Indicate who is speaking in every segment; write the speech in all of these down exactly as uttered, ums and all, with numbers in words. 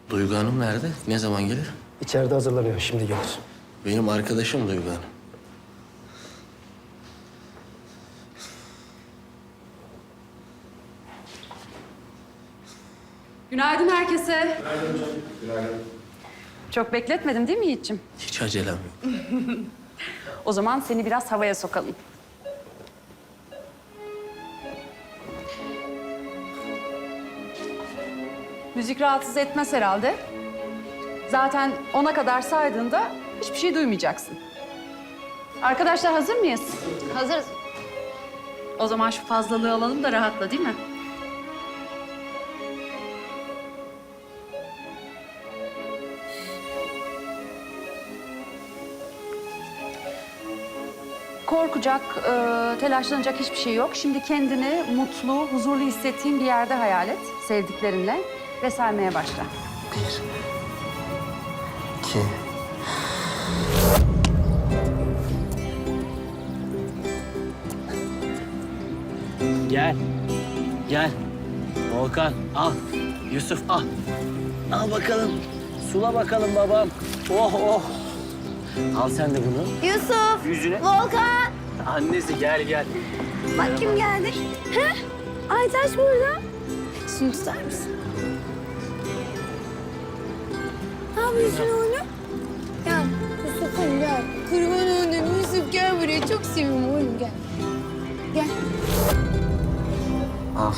Speaker 1: Duygu Hanım nerede? Ne zaman gelir?
Speaker 2: İçeride hazırlanıyor, şimdi gelir.
Speaker 1: Benim arkadaşım Duygu Hanım.
Speaker 3: Günaydın herkese.
Speaker 2: Günaydın hocam. Günaydın.
Speaker 3: Çok bekletmedim değil mi Yiğit'ciğim?
Speaker 1: Hiç acelem yok.
Speaker 3: O zaman seni biraz havaya sokalım. Müzik rahatsız etmez herhalde. Zaten ona kadar saydığında hiçbir şey duymayacaksın. Arkadaşlar hazır mıyız?
Speaker 4: Hazırız.
Speaker 3: O zaman şu fazlalığı alalım da rahatla, değil mi? Korkacak, e, telaşlanacak hiçbir şey yok. Şimdi kendini mutlu, huzurlu hissettiğin bir yerde hayal et, sevdiklerinle ve saymaya başla.
Speaker 1: Bir, iki,
Speaker 5: Gel. Gel. Volkan al. Yusuf al. Al bakalım. Sula bakalım babam. Oh oh. Al sen de bunu.
Speaker 4: Yusuf,
Speaker 5: Yüzüne.
Speaker 4: Volkan.
Speaker 5: Annesi gel gel.
Speaker 4: Bak kim geldi. He? Aytaç burada. Şunu tutar mısın? Ne yapıyorsun oğlum? Gel. Yusuf'um gel. Kurban oldum Yusuf, gel buraya. Çok seviyorum oğlum, gel. Gel.
Speaker 1: al.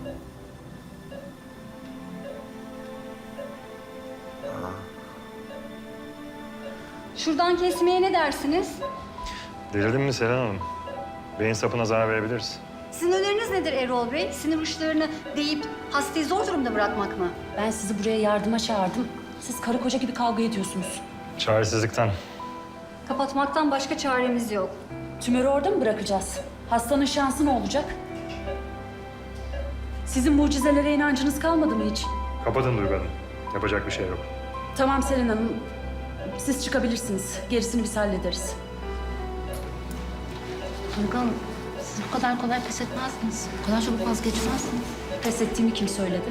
Speaker 6: Şuradan kesmeye ne dersiniz?
Speaker 7: Delirdin mi Selen Hanım? Beyin sapına zarar verebiliriz.
Speaker 6: Sizin öneriniz nedir Erol Bey? Sinir uçlarını deyip hastayı zor durumda bırakmak mı?
Speaker 8: Ben sizi buraya yardıma çağırdım. Siz karı koca gibi kavga ediyorsunuz.
Speaker 7: Çaresizlikten.
Speaker 6: Kapatmaktan başka çaremiz yok.
Speaker 8: Tümörü orada mı bırakacağız? Hastanın şansı ne olacak? Sizin mucizelere inancınız kalmadı mı hiç?
Speaker 7: Kapatın Duygu Hanım. Yapacak bir şey yok.
Speaker 8: Tamam Selin Hanım. Siz çıkabilirsiniz. Gerisini biz hallederiz.
Speaker 4: Duygu Hanım, siz bu kadar kolay pes etmezdiniz. Bu kadar çabuk vazgeçmezdiniz.
Speaker 8: Pes ettiğimi kim söyledi?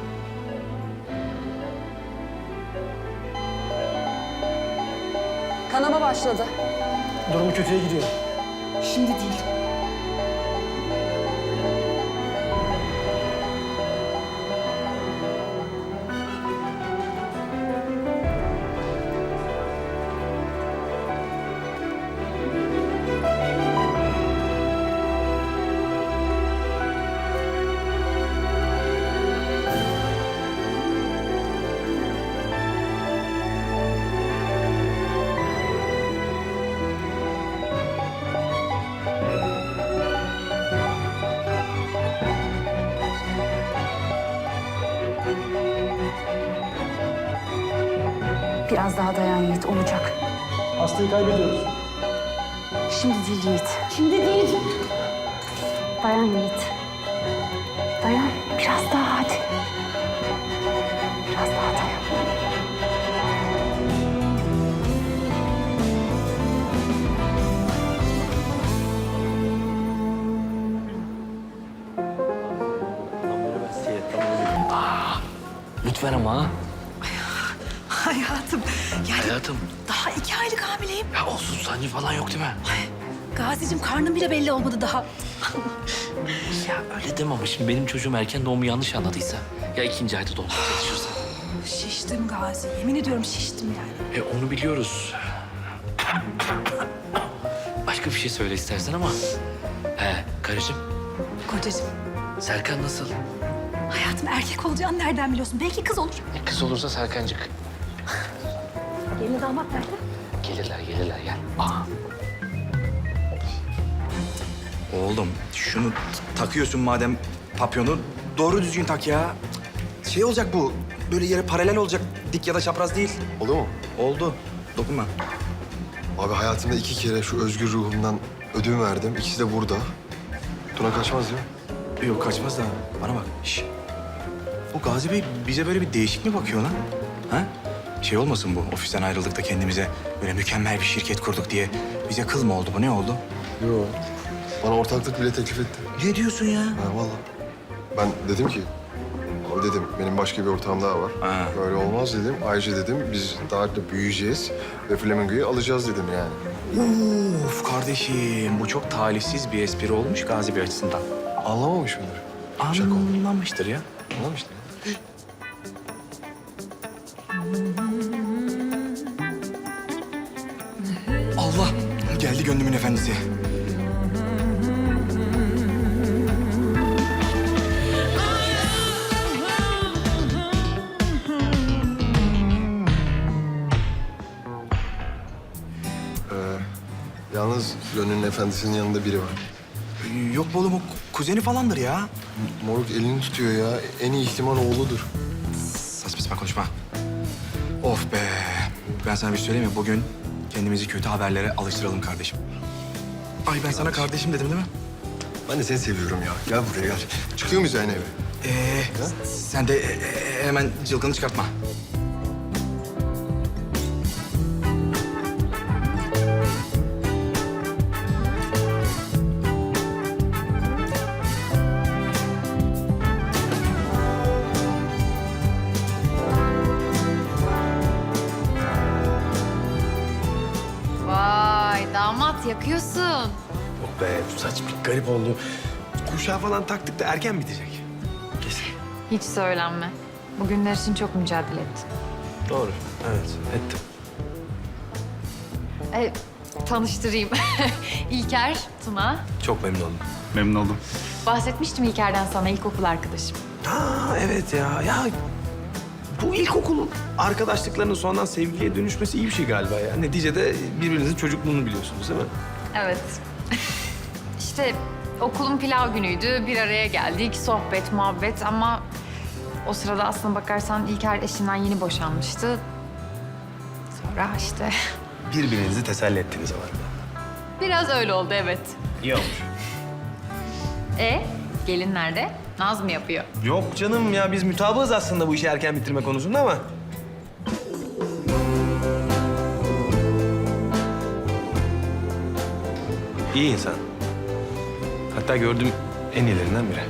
Speaker 3: Kanama başladı.
Speaker 2: Durumu kötüye gidiyor.
Speaker 8: Şimdi değil.
Speaker 3: Biraz daha dayan Yiğit, olacak.
Speaker 2: Hastayı kaybediyoruz.
Speaker 3: Şimdi değil Yiğit.
Speaker 6: Şimdi değil.
Speaker 3: Dayan Yiğit. Dayan. Biraz daha hadi. Biraz daha dayan.
Speaker 5: Lütfen ama.
Speaker 9: Hayatım, yani
Speaker 5: Hayatım.
Speaker 9: daha iki aylık hamileyim.
Speaker 5: Ya olsun sancı falan yok değil mi?
Speaker 9: Gazi'cim karnım bile belli olmadı daha.
Speaker 5: Ya öyle deme ama şimdi benim çocuğum erken doğumu yanlış anladıysa. Ya ikinci ayda doğumda çalışırsa.
Speaker 9: Şiştim Gazi, yemin ediyorum şiştim yani.
Speaker 5: E onu biliyoruz. Başka bir şey söyle istersen ama. He karıcığım.
Speaker 9: Kocacığım,
Speaker 5: Serkan nasıl?
Speaker 9: hayatım erkek olacağını nereden biliyorsun? Belki kız olur.
Speaker 5: E, kız olursa Serkancık.
Speaker 9: Gelin damat nerede?
Speaker 5: Gelirler gelirler gel. Aa.
Speaker 10: Oğlum şunu t- takıyorsun madem papyonu doğru düzgün tak ya. Şey olacak bu. Böyle yere paralel olacak. Dik ya da çapraz değil.
Speaker 11: Oldu mu?
Speaker 10: Oldu. Dokunma.
Speaker 11: Abi hayatımda iki kere şu özgür ruhumdan ödün verdim. İkisi de burada. Tuna kaçmaz ya.
Speaker 10: Yok kaçmaz da. Bana bak. Şş. Bu Gazi Bey bize böyle bir değişik mi bakıyor lan? Ha? Şey olmasın bu ofisten ayrıldık da kendimize böyle mükemmel bir şirket kurduk diye bize kıl mı oldu bu? Ne oldu?
Speaker 11: Yok. Bana ortaklık bile teklif etti.
Speaker 10: Ne diyorsun ya?
Speaker 11: Ha vallahi. Ben dedim ki Ama dedim benim başka bir ortağım daha var.
Speaker 10: Ha.
Speaker 11: Böyle olmaz dedim. Ayrıca dedim biz daha da büyüyeceğiz ve Flamingo'yu alacağız dedim yani.
Speaker 10: Of kardeşim, bu çok talihsiz bir espri olmuş Gazi Bey açısından.
Speaker 11: Anlamamış mıdır? Şaka oldu.
Speaker 10: Anlamıştır ya.
Speaker 11: Anlamıştır.
Speaker 10: Allah! Geldi gönlümün efendisi.
Speaker 11: Ee, yalnız Gönül'ün efendisinin yanında biri var.
Speaker 10: Ee, Yok be oğlum, o kuzeni falandır ya.
Speaker 11: Moruk elini tutuyor ya. En iyi ihtimal oğludur.
Speaker 10: Saçma sapan konuşma. Of be! Ben sana bir şey söyleyeyim mi? Bugün kendimizi kötü haberlere alıştıralım kardeşim. Ay ben sana kardeşim dedim değil mi?
Speaker 11: Ben de seni seviyorum ya. Gel buraya gel. Çıkıyor muyuz yani eve?
Speaker 10: Ee, sen de e, e, hemen cılgını çıkartma.
Speaker 4: Vay damat yakıyorsun.
Speaker 2: Yok be bu saç bir garip oldu. Kuşağı falan taktık da erken bitecek. Kesin.
Speaker 4: Hiç söylenme. Bugünler için çok mücadele ettim.
Speaker 2: Doğru. Evet ettim.
Speaker 4: E, tanıştırayım. İlker, Tuna.
Speaker 2: Çok memnun oldum.
Speaker 7: Memnun oldum.
Speaker 4: Bahsetmiştim İlker'den sana, ilkokul arkadaşım.
Speaker 2: Ha evet ya. Ya bu ilkokul arkadaşlıklarının sonradan sevgiliye dönüşmesi iyi bir şey galiba ya. Neticede birbirinizin çocukluğunu biliyorsunuz değil mi?
Speaker 4: Evet. İşte okulun pilav günüydü. Bir araya geldik. Sohbet, muhabbet ama o sırada aslına bakarsan İlker eşinden yeni boşanmıştı. Sonra işte
Speaker 2: Birbirinizi teselli ettiniz ama.
Speaker 4: biraz öyle oldu evet.
Speaker 2: İyi olmuş.
Speaker 4: E gelin nerede? Naz mı yapıyor?
Speaker 2: Yok canım ya biz mutabığız aslında bu işi erken bitirme konusunda ama. İyi insan. Hatta gördüğüm en iyilerinden biri.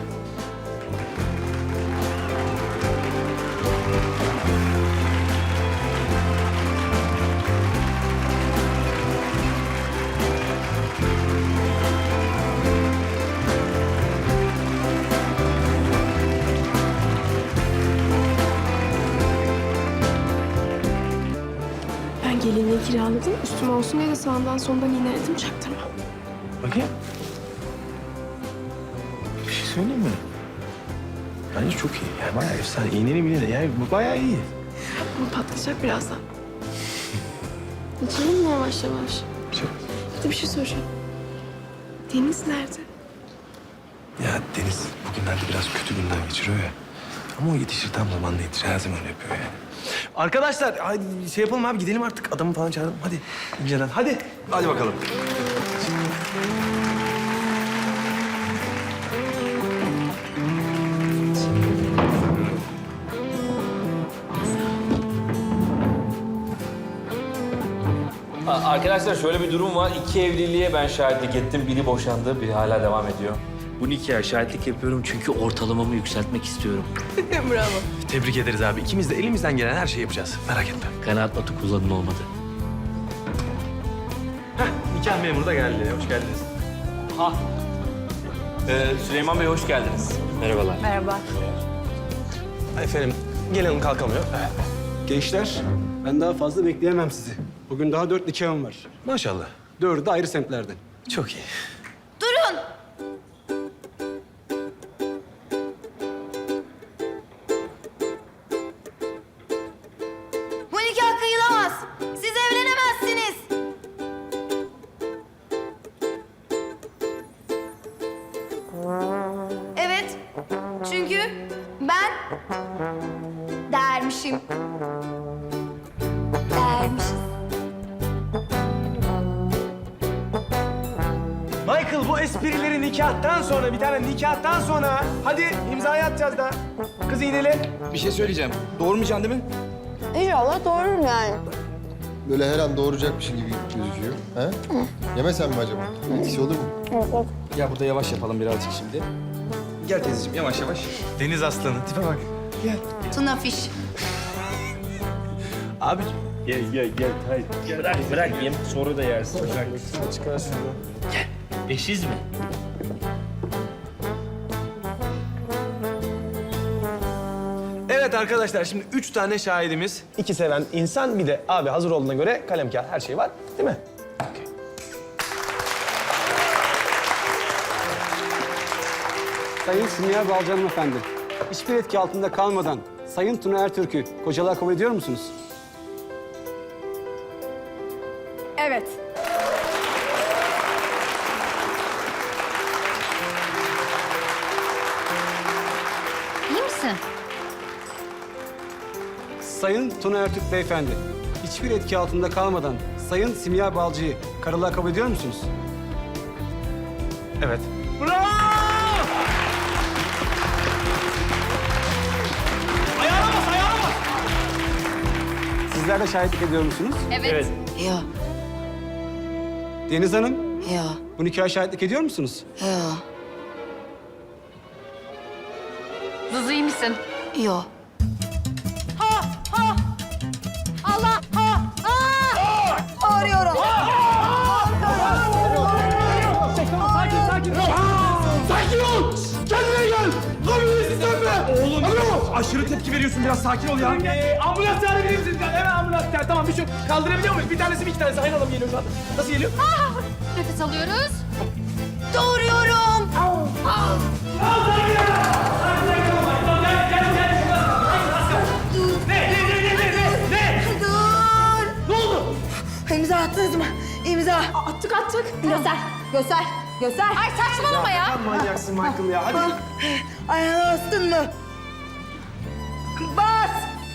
Speaker 12: Ben gelinliği kiraladım. Üstüme olsun diye de sağından solundan iğneledim çaktırma.
Speaker 2: Bakayım. Bir şey söyleyeyim mi? Bence çok iyi. Yani bayağı efsane. İğneli miğneli. Yani bu bayağı iyi.
Speaker 12: Ama patlayacak birazdan. Açalım mı yavaş yavaş?
Speaker 2: Çok.
Speaker 12: Bir de bir şey soracağım. Deniz nerede?
Speaker 2: Ya Deniz bugünlerde biraz kötü günler geçiriyor ya. Ama o yetişir tam zamanında yetişir. Her zaman öyle yapıyor yani. Arkadaşlar hadi şey yapalım abi gidelim artık. Adamı falan çağıralım. Hadi inceden. Hadi. Hadi bakalım.
Speaker 5: Arkadaşlar şöyle bir durum var. İki evliliğe ben şahitlik ettim. Biri boşandı, biri hala devam ediyor. Bu nikaha şahitlik yapıyorum çünkü ortalamamı yükseltmek istiyorum.
Speaker 2: Tebrik ederiz abi. İkimiz de elimizden gelen her şeyi yapacağız. Merak etme.
Speaker 5: Kanaat notu kullanın olmadı.
Speaker 2: Heh, nikah memuru da geldi. Hoş geldiniz.
Speaker 5: Ha. Ee, Süleyman Bey hoş geldiniz. Merhabalar.
Speaker 4: Merhaba.
Speaker 2: Efendim gelelim kalkamıyor.
Speaker 13: Gençler, ben daha fazla bekleyemem sizi. Bugün daha dört nikahım var.
Speaker 2: Maşallah.
Speaker 13: Dördü de ayrı semtlerden.
Speaker 2: Çok iyi.
Speaker 4: Durun. Bu nikah kıyılamaz. Siz evlenemezsiniz. Evet. Çünkü ben dermişim. Dermişim.
Speaker 2: Michael bu esprileri nikahtan sonra, bir tane nikahtan sonra. Hadi imzayı atacağız da. Kız iğneli.
Speaker 10: Bir şey söyleyeceğim. Doğurmayacaksın değil mi?
Speaker 4: İnşallah doğururum yani.
Speaker 11: Böyle her an doğuracakmışın gibi gözüküyor. He? Yemesen mi acaba? Etkisi olur mu?
Speaker 10: Ya burada yavaş yapalım birazcık şimdi. Gel teyzeciğim yavaş yavaş.
Speaker 2: Deniz aslanı. Tipe bak. gel.
Speaker 6: Tuna fiş.
Speaker 2: Abi
Speaker 5: Gel gel gel. Hayır. Bırak bırak yem sonra da yersin. Bırak.
Speaker 2: çıkar şunu.
Speaker 5: Eşiz mi?
Speaker 2: Evet arkadaşlar şimdi üç tane şahidimiz. İki seven insan bir de abi hazır olduğuna göre kalem kağıt her şey var değil mi? Okey.
Speaker 13: Sayın Simya Balcı hanımefendi, hiçbir etki altında kalmadan Sayın Tuna Ertürk'ü kocalığa kabul ediyor musunuz?
Speaker 3: Evet.
Speaker 4: İyi misin?
Speaker 13: Sayın Tuna Ertürk beyefendi, hiçbir etki altında kalmadan Sayın Simya Balcı'yı karılığa kabul ediyor musunuz?
Speaker 2: Evet.
Speaker 13: Sizler de şahitlik ediyor musunuz?
Speaker 4: Evet.
Speaker 6: Ya,
Speaker 13: Deniz Hanım,
Speaker 6: ya,
Speaker 13: bu nikaha şahitlik ediyor musunuz?
Speaker 6: ya,
Speaker 4: Zuzu iyi misin?
Speaker 6: ya.
Speaker 2: Sakin ol! Kendine gel! Komünist dönme! Oğlum aşırı tepki veriyorsun biraz sakin ol ya.
Speaker 14: Ee, ambulans çağırabilir misiniz? Hemen ambulans çağır. Tamam bir şey yok. Kaldırabiliyor muyuz? Bir tanesi mi iki tanesi? Aynı adam geliyor şu anda. Nasıl geliyor?
Speaker 4: Nefes alıyoruz.
Speaker 6: Doğuruyorum.
Speaker 14: Ne? Ne? Ne? Ne? Ne? Ne?
Speaker 6: Dur.
Speaker 14: Ne oldu?
Speaker 6: İmza attınız mı? İmza.
Speaker 3: Attık attık. Göster. Göster. Göster.
Speaker 4: Ay saçmalama ya.
Speaker 2: Manyaksın Michael ya hadi.
Speaker 6: Ayağına bastın mı? Bas.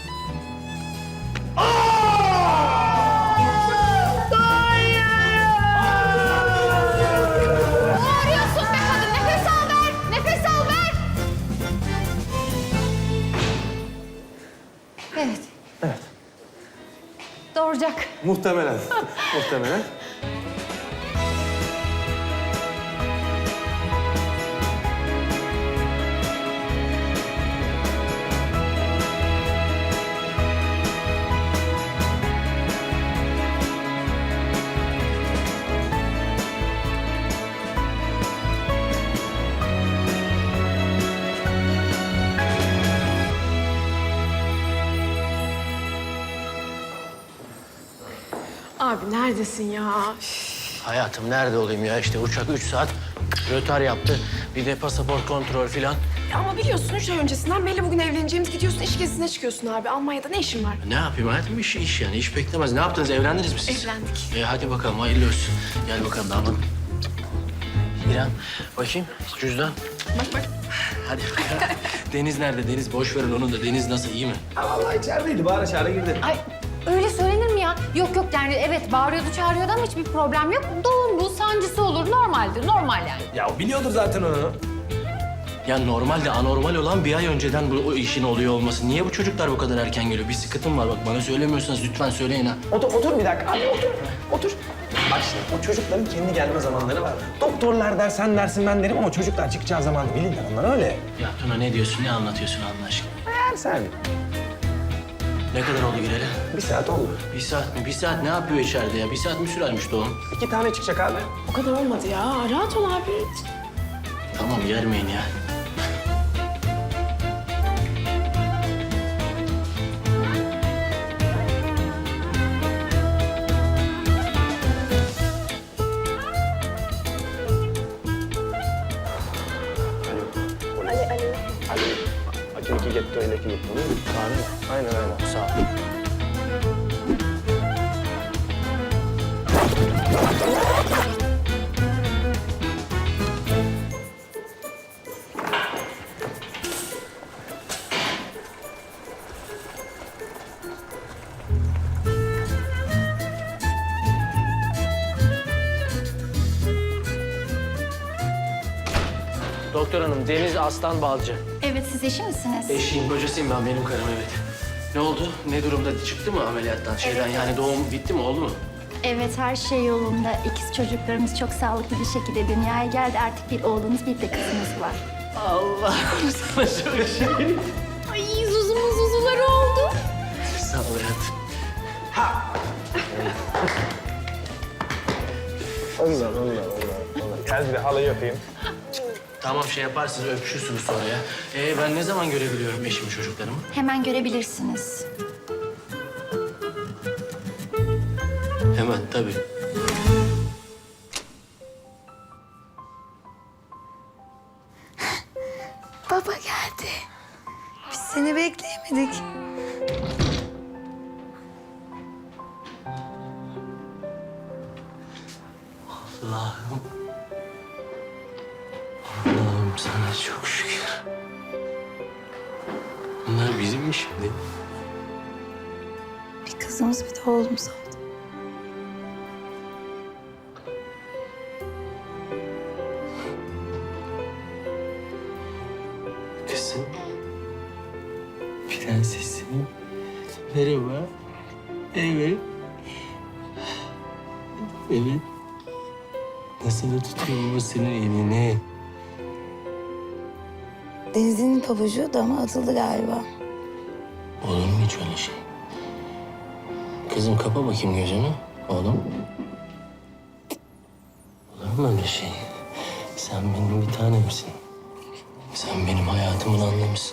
Speaker 4: Bağırıyorsun be kadın. Nefes al ver. Nefes al ver. Evet.
Speaker 2: Evet.
Speaker 4: Doğuracak.
Speaker 2: Muhtemelen. Muhtemelen.
Speaker 12: Abi neredesin ya?
Speaker 1: Hayatım nerede olayım ya? İşte uçak üç saat rötar yaptı. Bir de pasaport kontrol filan.
Speaker 12: Ya ama biliyorsun üç ay öncesinden belli bugün evleneceğimiz gidiyorsun iş gezisine çıkıyorsun abi. Almanya'da ne işin var?
Speaker 1: Ne yapayım hayatım? İş, iş yani. İş beklemez. Ne yaptınız? Evlendiniz mi siz?
Speaker 12: Evlendik.
Speaker 1: E hadi bakalım hayırlı olsun. Gel bakalım damat. İrem bakayım cüzdan.
Speaker 12: Bak bak.
Speaker 1: Hadi. Deniz nerede? Deniz boş verin onun da. Deniz nasıl iyi mi?
Speaker 2: Ha, vallahi içerideydi bağıra çağıra girdi.
Speaker 4: Ay öyle söylenir mi ya? Yok yok yani evet bağırıyordu çağırıyordu ama hiçbir problem yok. Doğum bu sancısı olur normaldir normal yani.
Speaker 2: Ya biliyordur zaten onu.
Speaker 1: Ya normalde anormal olan bir ay önceden bu o işin oluyor olması. Niye bu çocuklar bu kadar erken geliyor? Bir sıkıntım var bak. Bana söylemiyorsanız lütfen söyleyin ha.
Speaker 2: Otur, otur bir dakika. Hadi otur, otur. Bak şimdi o çocukların kendi gelme zamanları var. Doktorlar der, sen dersin, ben derim ama çocuklar çıkacağı zaman bilirler. Onlar öyle.
Speaker 1: Ya Tuna ne diyorsun? Ne anlatıyorsun Allah aşkına?
Speaker 2: Eğer sen.
Speaker 1: Ne kadar oldu gireli?
Speaker 2: Bir saat oldu.
Speaker 1: Bir saat mi? Bir saat ne yapıyor içeride ya? Bir saat mi sürermiş doğum?
Speaker 2: İki tane çıkacak abi.
Speaker 12: O kadar olmadı ya. Rahat ol abi.
Speaker 1: Tamam yermeyin ya.
Speaker 2: Acun getto ile getto değil mi? Aynen aynen.
Speaker 1: Sağ ol. Doktor hanım, Deniz Aslan Balcı.
Speaker 6: Evet, siz eşi misiniz?
Speaker 1: Eşiyim, kocasıyım ben, benim karım evet. Ne oldu? Ne durumda? Çıktı mı ameliyattan şeyden? Yani doğum bitti mi, oldu mu?
Speaker 6: Evet, her şey yolunda. İkiz çocuklarımız çok sağlıklı bir şekilde dünyaya geldi. Artık bir oğlumuz, bir de kızımız var.
Speaker 1: Allah sana şöyle şey.
Speaker 6: Ay Zuzu
Speaker 1: Al hayatım.
Speaker 2: Allah Allah Allah. Gel bir de halayı öpeyim.
Speaker 1: Tamam şey yaparsınız, öpüşürsünüz sonra ya. Ee, ben ne zaman görebiliyorum eşimi, çocuklarımı?
Speaker 6: Hemen görebilirsiniz.
Speaker 1: Hemen tabii.
Speaker 9: Baba geldi. Biz seni bekleyemedik.
Speaker 1: Allah'ım. Allah'ım sana çok şükür. Bunlar bizim mi şimdi?
Speaker 9: Bir kızımız bir de oğlumuz oldu.
Speaker 1: Kızım. Prensesim. Merhaba. Evet. Evet. Nasıl da tutuyor baba senin elini?
Speaker 9: Deniz'in pabucu dama atıldı galiba.
Speaker 1: Olur mu hiç öyle şey? Kızım kapa bakayım gözünü. Oğlum. Olur mu öyle şey? Sen benim bir tanemsin. Sen benim hayatımın anlamısın.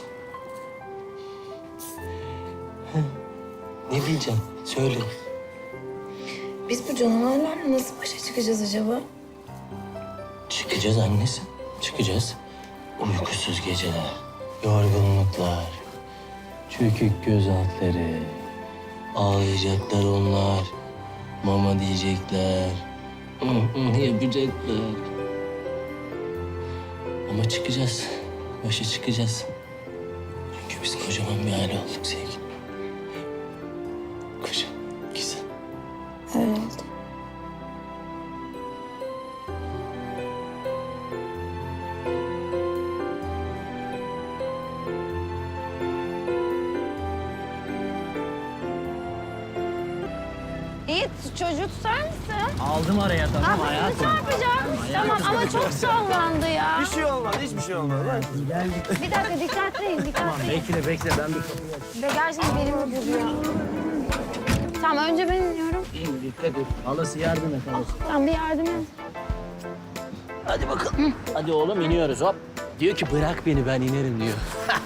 Speaker 1: Hı. Ne diyeceğim? Söyle.
Speaker 9: Biz bu canavarlarla nasıl başa çıkacağız acaba?
Speaker 1: Çıkacağız annesi. Çıkacağız. Uykusuz geceler, yorgunluklar, çökük göz altları. Ağlayacaklar onlar. Mama diyecekler. Hı hı yapacaklar. Ama çıkacağız. Başa çıkacağız. Çünkü biz kocaman bir aile olduk sevgilim. Koca, güzel.
Speaker 9: Öyle oldu.
Speaker 6: Yiğit çocuğu tutar mısın?
Speaker 1: Aldım araya tamam hayatım.
Speaker 6: Çarpacağım. Tamam ama çok sallandı ya.
Speaker 2: Bir şey olmaz, hiçbir şey olmaz.
Speaker 6: Bir dakika dikkatliyiz dikkatliyiz.
Speaker 1: Bekle bekle ben bir kapıyı
Speaker 6: Ve gerçekten benim vuruyor. Tamam önce ben iniyorum.
Speaker 1: açayım. Dikkat et. Halası yardım et halası.
Speaker 6: Tamam bir yardım et.
Speaker 1: Hadi bakalım. Hadi oğlum iniyoruz hop. Diyor ki bırak beni ben inerim diyor.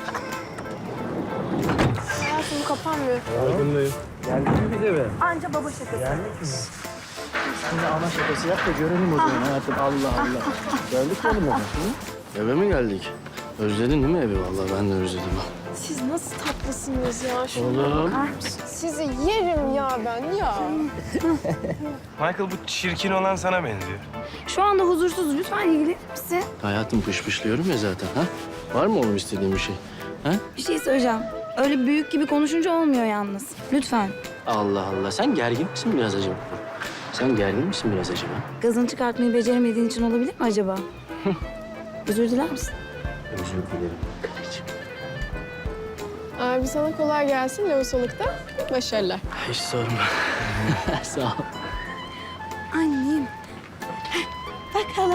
Speaker 12: Hayatım bu kapanmıyor.
Speaker 2: Farkındayım.
Speaker 1: Geldin mi bize be?
Speaker 9: Anca baba şakası.
Speaker 1: Geldik mi? Sen de ana şakası yap da görelim o zaman hayatım. Allah Allah. Geldik mi oğlum eve? Hı? Eve mi geldik? Özledin değil mi evi? Vallahi ben de özledim.
Speaker 12: Siz nasıl tatlısınız ya? Şuna
Speaker 1: Oğlum.
Speaker 12: bakar mısın? Sizi yerim ya ben ya.
Speaker 2: Michael bu çirkin olan sana benziyor.
Speaker 9: Şu anda huzursuz. Lütfen ilgilenir misin?
Speaker 1: Hayatım pışpışlıyorum ya zaten ha? Var mı oğlum istediğin bir şey? Ha?
Speaker 9: Bir şey söyleyeceğim. Öyle büyük gibi konuşunca olmuyor yalnız. Lütfen.
Speaker 1: Allah Allah. Sen gergin misin biraz acaba? Sen gergin misin biraz acaba?
Speaker 9: Gazını çıkartmayı beceremediğin için olabilir mi acaba? Özür diler misin?
Speaker 1: Özür dilerim. Karıcığım.
Speaker 12: Abi sana kolay gelsin lohusalıkta. Başarılar.
Speaker 1: Hiç sorma. Sağ ol.
Speaker 9: Annem. Bak hala.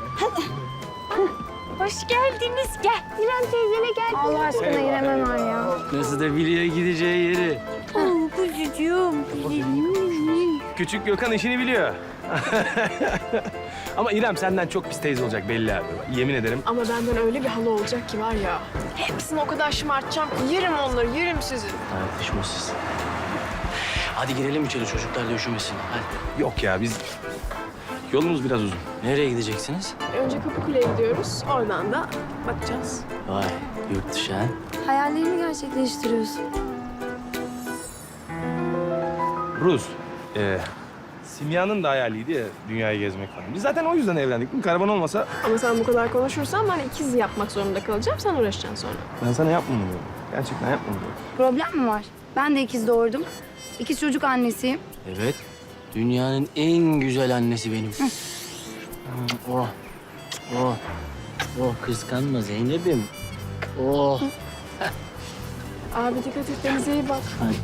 Speaker 6: Hoş geldiniz. Gel. İrem teyzene gel. Allah aşkına İrem hemen ya.
Speaker 1: Nasıl da biliyor gideceği yeri.
Speaker 9: Oo, kuzucuğum.
Speaker 2: Küçük Gökhan işini biliyor. Ama İrem senden çok pis teyze olacak belli abi. Yemin ederim.
Speaker 12: Ama benden öyle bir halı olacak ki var ya. Hepsini o kadar şımartacağım ki yerim onları, yerim sizi.
Speaker 1: Tartışmasız. Hadi girelim içeri çocuklar da üşümesin. Hadi.
Speaker 2: Yok ya biz... Yolumuz biraz uzun.
Speaker 1: Nereye gideceksiniz?
Speaker 12: Önce Kapıkule'ye gidiyoruz. Oradan da bakacağız.
Speaker 1: Vay yurt dışı ha.
Speaker 9: Hayallerini gerçekleştiriyorsun.
Speaker 2: Rus. Ee, Simya'nın da hayaliydi ya dünyayı gezmek falan. Biz zaten o yüzden evlendik. Bu karavan olmasa
Speaker 12: Ama sen bu kadar konuşursan ben ikiz yapmak zorunda kalacağım. Sen uğraşacaksın sonra.
Speaker 2: ben sana yapmam diyorum. Gerçekten yapmam diyorum.
Speaker 9: Problem mi var? Ben de ikiz doğurdum. İkiz çocuk annesiyim.
Speaker 1: Evet. Dünyanın en güzel annesi benim. oh. Oh. Oh kıskanma Zeynep'im. Oh.
Speaker 12: Abi dikkat et, denize iyi bak.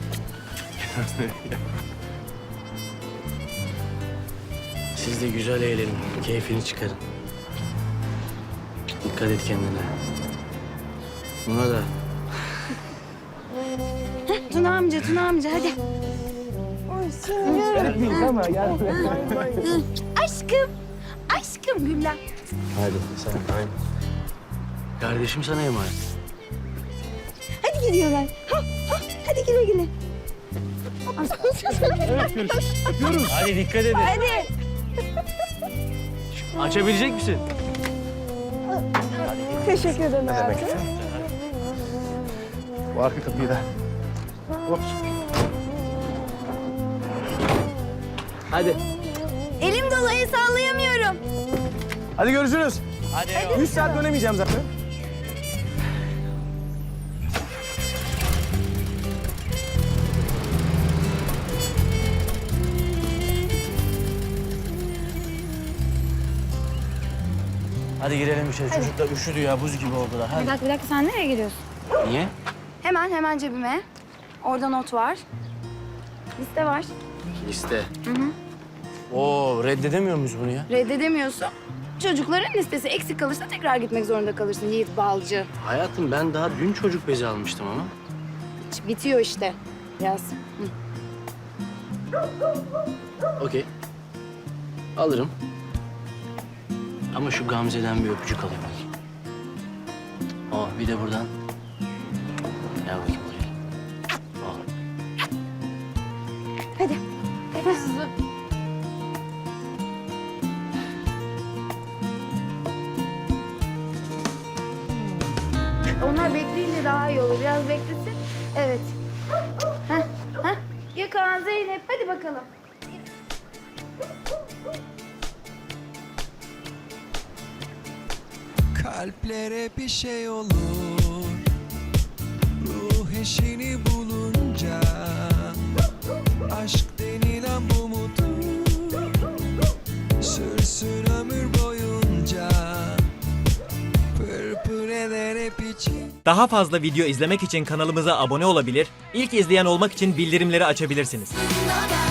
Speaker 1: Siz de güzel eğlenin. Keyfini çıkarın. Dikkat et kendine. Buna da.
Speaker 9: Heh, Tuna amca, Tuna amca hadi. Aşkım, aşkım Gülden.
Speaker 1: Hadi sen. Kardeşim sana emanet.
Speaker 9: Hadi gidiyorlar. Ha, ha, hadi güle güle.
Speaker 1: Hadi dikkat edin.
Speaker 9: Hadi.
Speaker 1: Açabilecek misin?
Speaker 12: Teşekkür ederim hayatım.
Speaker 11: Bu arka kapıyı da. Hop.
Speaker 1: Hadi.
Speaker 9: Elim dolu, el sallayamıyorum.
Speaker 2: Hadi görüşürüz.
Speaker 1: Hadi.
Speaker 2: Üç saat dönemeyeceğim zaten.
Speaker 1: Hadi girelim içeri. Çocuklar üşüdü ya. Buz gibi oldular.
Speaker 9: Bir
Speaker 1: Hadi.
Speaker 9: dakika, bir dakika. Sen nereye gidiyorsun?
Speaker 1: Niye?
Speaker 9: Hemen, hemen cebime. Orada not var. Liste var.
Speaker 1: Liste. Hı hı. Oo, reddedemiyor muyuz bunu ya?
Speaker 9: Reddedemiyorsun. Çocukların listesi eksik kalırsa tekrar gitmek zorunda kalırsın Yiğit Balcı.
Speaker 1: Hayatım ben daha dün çocuk bezi almıştım ama.
Speaker 9: Hiç bitiyor işte. Yaz. Hı.
Speaker 1: Okey. Alırım. Ama şu Gamze'den bir öpücük alayım. Oh, bir de buradan. Gel bakayım buraya. Oh.
Speaker 9: Hadi. Onlar bekleyince daha iyi olur. Biraz beklesin. Evet. Heh, heh. Gökhan, Zeynep hadi bakalım.
Speaker 15: Kalplere bir şey olur, ruh eşini bulunca. Aşk denilen bu mudur, sürsün ömür boyunca. Pırpır eder hep için.
Speaker 16: Daha fazla video izlemek için kanalımıza abone olabilir, ilk izleyen olmak için bildirimleri açabilirsiniz.